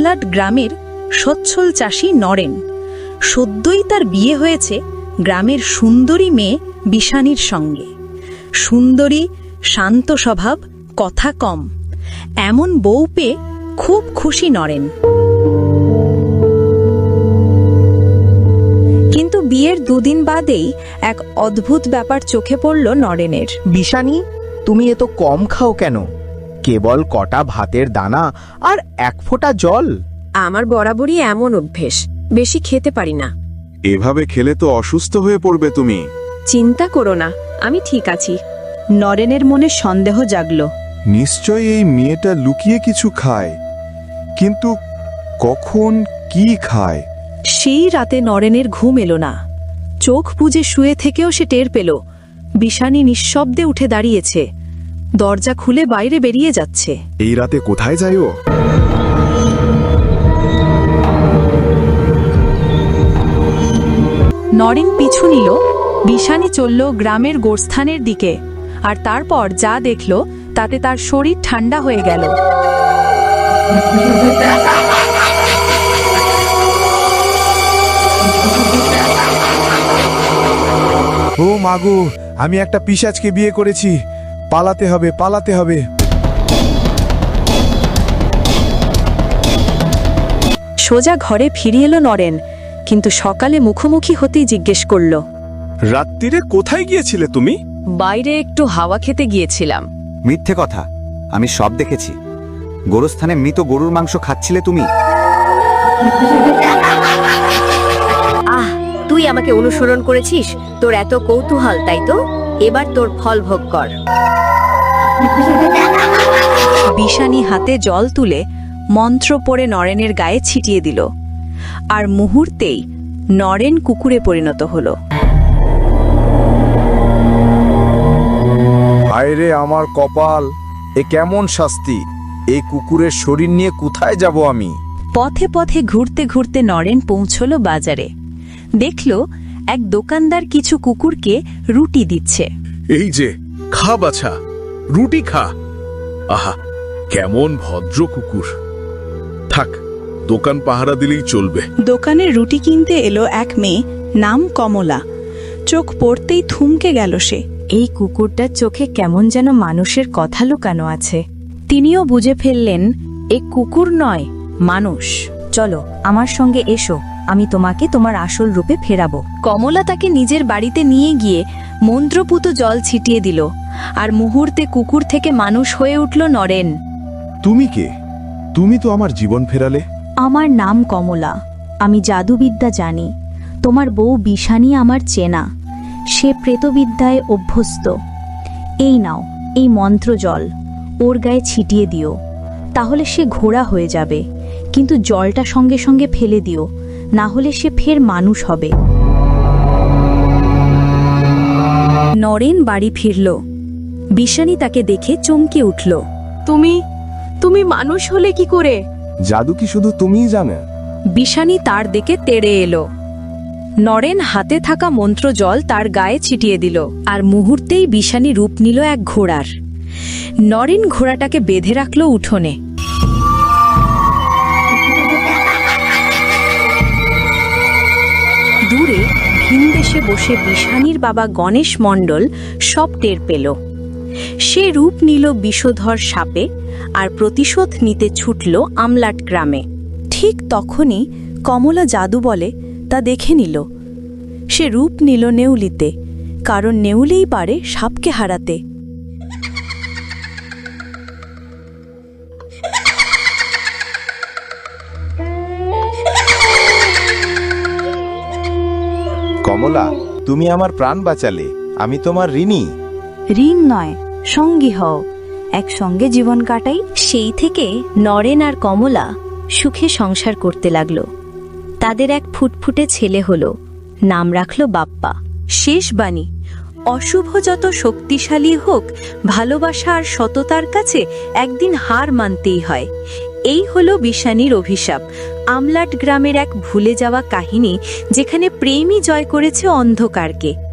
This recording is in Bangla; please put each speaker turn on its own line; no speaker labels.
আমলাট গ্রামের সচ্ছল চাষী নরেন। সদ্যই তার বিয়ে হয়েছে গ্রামের সুন্দরী মেয়ে বিষানির সঙ্গে। সুন্দরী, শান্ত স্বভাব, কথা কম, এমন বউ পেয়ে খুব খুশি নরেন। কিন্তু বিয়ের দুদিন বাদেই এক অদ্ভুত ব্যাপার চোখে পড়ল নরেনের।
বিষানি, তুমি এত কম খাও কেন? কেবল কটা ভাতের দানা আর এক ফোঁটা জল।
আমার বরাবরই এমন অভ্যেস, বেশি খেতে পারি না।
এভাবে খেলে তো অসুস্থ হয়ে পড়বে তুমি।
চিন্তা করো না, আমি ঠিক আছি।
নরেনের মনে সন্দেহ জাগল।
নিশ্চয় এই মেয়েটা লুকিয়ে কিছু খায়, কিন্তু কখন কি খায়?
সেই রাতে নরেনের ঘুম এলো না। চোখ বুজে শুয়ে থেকেও সে টের পেল বিষানি নিঃশব্দে উঠে দাঁড়িয়েছে, দরজা খুলে বাইরে বেরিয়ে যাচ্ছে।
এই রাতে কোথায় যায় ও?
নরেন পিছু নিল। বিষানি চলল গ্রামের গোরস্থানের দিকে, আর তারপর যা দেখল তাতে তার শরীর ঠান্ডা হয়ে গেল।
ও মাগো, আমি একটা পিশাচকে বিয়ে করেছি, পালাতে হবে, পালাতে হবে।
সোজা ঘরে ফিরে এলো নরেন, কিন্তু সকালে মুখোমুখি হতেই জিজ্ঞেস করল,
রাত্রিরে কোথায় গিয়েছিলে তুমি?
বাইরে একটু হাওয়া খেতে গিয়েছিলাম।
মিথ্যে কথা, আমি সব দেখেছি। গোরস্থানে মৃত গরুর মাংস খাচ্ছিলে তুমি।
তুই আমাকে অনুসরণ করেছিস, তোর এত কৌতূহল তাই তো? এবার তোর ফল ভোগ কর।
বিষানি হাতে জল তুলে মন্ত্র পড়ে নরেনের গায়ে ছিটিয়ে দিল, আর মুহূর্তেই নরেন কুকুরে পরিণত হল।
হায়রে আমার কপাল, এ কেমন শাস্তি! এই কুকুরের শরীর নিয়ে কোথায় যাব আমি?
পথে পথে ঘুরতে ঘুরতে নরেন পৌঁছল বাজারে। দেখল এক দোকানদার কিছু কুকুরকে রুটি দিচ্ছে।
এই যে, খা বাছা, রুটি খা। আহা, কেমন ভদ্র কুকুর। থাক, দোকান পাহারা দিলেই চলবে।
দোকানে রুটি কিনতে এলো এক মেয়ে, নাম কমলা। চোখ পড়তেই থমকে গেল সে।
এই কুকুরটার চোখে কেমন যেন মানুষের কথা লুকানো আছে। তিনিও বুঝে ফেললেন এ কুকুর নয়, মানুষ। চলো আমার সঙ্গে এসো, আমি তোমাকে তোমার আসল রূপে ফেরাবো। কমলা তাকে নিজের বাড়িতে নিয়ে গিয়ে মন্ত্রপুত জল ছিটিয়ে দিল, আর মুহূর্তে কুকুর থেকে মানুষ হয়ে উঠল নরেন।
তুমি কে? তুমি তো আমার জীবন ফেরালে।
আমার নাম কমলা, আমি জাদুবিদ্যা জানি। তোমার বউ বিষানি আমার চেনা, সে প্রেতবিদ্যায় অভ্যস্ত। এই নাও এই মন্ত্র জল, ওর গায়ে ছিটিয়ে দিও, তাহলে সে ঘোড়া হয়ে যাবে। কিন্তু জলটা সঙ্গে সঙ্গে ফেলে দিও, না হলে সে ফের মানুষ হবে। নরেন বাড়ি ফিরল। বিষানি তাকে দেখে চমকে উঠল। তুমি মানুষ হলে কি করে?
জাদু কি শুধু তুমিই জানো?
বিষানি তার দিকে তেড়ে এলো। নরেন হাতে থাকা মন্ত্র জল তার গায়ে ছিটিয়ে দিল, আর মুহূর্তেই বিষানি রূপ নিল এক ঘোড়ার। নরেন ঘোড়াটাকে বেঁধে রাখল উঠোনে। দূরে ভিনদেশে বসে বিষানির বাবা গণেশ মণ্ডল সব টের পেল। সে রূপ নিল বিষধর সাপে, আর প্রতিশোধ নিতে ছুটল আমলাট গ্রামে। ঠিক তখনই কমলা জাদু বলে তা দেখে নিল। সে রূপ নিল নেউলিতে, কারণ নেউলেই পারে সাপকে হারাতে।
কমলা, তুমি আমার প্রাণ বাঁচালে, আমি তোমার ঋণী।
ঋণ নয়, সঙ্গী হও, একসঙ্গে জীবন কাটাই। সেই থেকে নরেন আর কমলা সুখে সংসার করতে লাগল। তাদের এক ফুটফুটে ছেলে হলো, নাম রাখল বাপ্পা। শেষ বাণী, অশুভ যত শক্তিশালী হোক, ভালোবাসা আর সততার কাছে একদিন হার মানতেই হয়। এই হলো বিষানির অভিশাপ, আমলাট গ্রামের এক ভুলে যাওয়া কাহিনী, যেখানে প্রেমই জয় করেছে অন্ধকারকে।